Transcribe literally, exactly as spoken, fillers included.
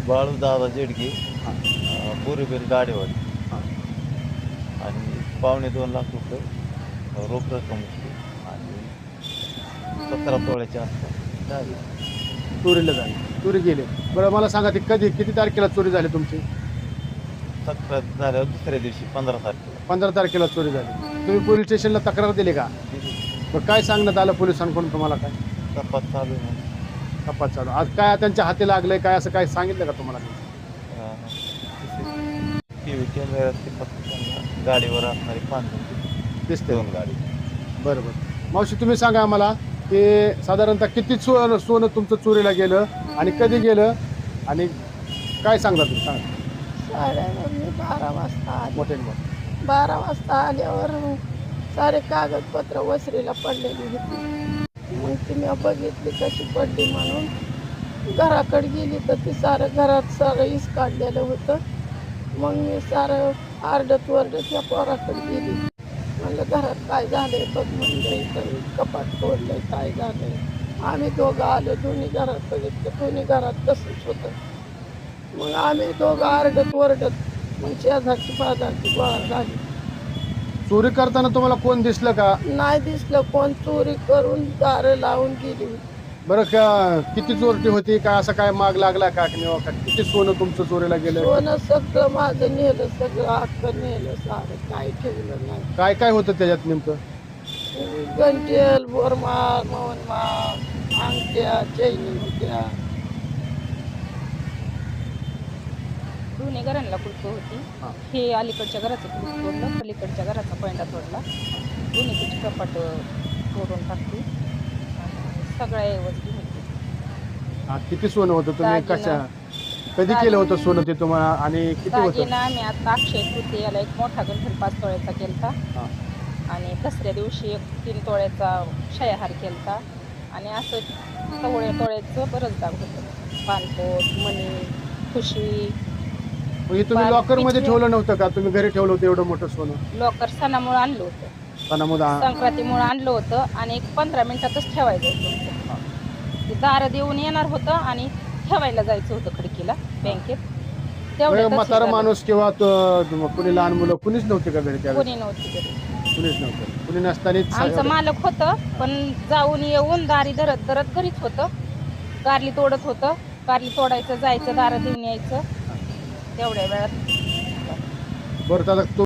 बाळू दादा जेडगे, हां बोरीबेल गाडेवाडी हां आणि पावणे दोन लाख रुपये रोख रक्कम होती आणि सतरा तोळ्याच्या आसपास झाली. चोरीला झाली, चोरी गेले. बरं मला सांगा, ती कधी किती तारखेला चोरी झाली तुमची? तक्रार झाल्यावर दुसऱ्या दिवशी पंधरा तारखेला पंधरा तारखेला चोरी झाली. तुम्ही पोलीस स्टेशनला तक्रार दिली का? दिली. मग काय सांगण्यात आलं पोलिसांकडून तुम्हाला? काय तपास चालू आहे म्हणून. तपास चालू? आज काय त्यांच्या हाती लागलंय काय, असं काय सांगितलं का तुम्हाला? टी व्ही कॅमेऱ्यात ते फक्त त्यांना गाडीवर असणारी पाच जण दिसते. दोन गाडी. बरं बरं. मावशी तुम्ही सांगा आम्हाला की साधारणतः किती सोनं सोनं तुमचं चोरीला गेलं आणि कधी गेलं आणि काय सांगता तुम्ही? सांगा साड्यावर मी बारा वाजता आले. मोठे मोठे. बारा वाजता आल्यावर सारे कागदपत्र वसरीला पडलेली होती. मग ती मी बघितली कशी पडली म्हणून घराकडे गेली तर ती सारं घरात सारं इस काढलेलं होतं. मग मी सारं आरडत वरडत या पोराकडे गेली. म्हणलं घरात काय झालंय बघ, म्हणलं इथं कपाट तोडलंय, काय झालंय. आम्ही दोघं आलो, दोन्ही घरात बघितलं, दोन्ही घरात तसंच होतं. मग आम्ही दोघं आरडत वरडत मग शेजारची बाजारची गोळा झाली. चोरी करताना तुम्हाला कोण दिसलं का? नाही दिसलं कोण. चोरी करून दारं लावून गेली होती. बरं का किती चोरटी होती काय, असं काय माग लागला का किंवा का किती सोनं तुमचं चोरीला गेलं? सोनं सगळं माझं नेलं, सगळं हक्क नेलं, सारं काही ठेवलं नाही. काय काय होतं त्याच्यात नेमकं? गंटेल, बोरमाळ, मोहनमाळ, अंगठ्या, चैनी होत्या. दोन्ही घरांना कुलप होती. हां. हे अलीकडच्या घराचं कुलूप तोडलं, पलीकडच्या घराचा पैंडा तोडला. दोन्हीची कपाट तोडून टाकली आणि सगळ्या ऐवजी होती. हा, किती सोनं होतं? तुम्ही दागिना. कशा कधी केलं होतं सोनं ते तुम्हाला आणि किती होतं? दागिना आम्ही आता अक्षय तृतीयाला एक मोठा गंठन पाच तोळ्याचा केलता हां. आणि दसऱ्या दिवशी एक तीन तोळ्याचा शयाहार केलता आणि असं तवळ्या तोळ्याचं बरंच दाग होतं. पानपोट, मणी, खुशी. म्हणजे तुम्ही बाल- लॉकर मध्ये पिशव्या. ठेवलं नव्हतं का? तुम्ही घरी ठेवलं होतं एवढं मोठं सोनं? लॉकर सणामुळे आणलं होतं, सणामुळे संक्रांतीमुळे आणलं होतं आणि एक पंधरा मिनिटातच ठेवायचं होतं. ते दारं देऊन येणार होतं आणि ठेवायला जायचं होतं खिडकीला बँकेत. तेवढ्यातच हे म्हातारा झालं. माणूस किंवा तो- कुणी लहान मुलं कुणीच नव्हते का घरी त्यावेळेस? कोणी नव्हती घरी. कुणीच नव्हतं. कुणी नसतानाच आमचं मालक होतं पण जाऊन येऊन दारी धरत धरत घरीच होतं. कारली तोडत होतं. कारली तोडायचं, जायचं, दारं देऊन यायचं. तेवढ्या वेळात बरं. आता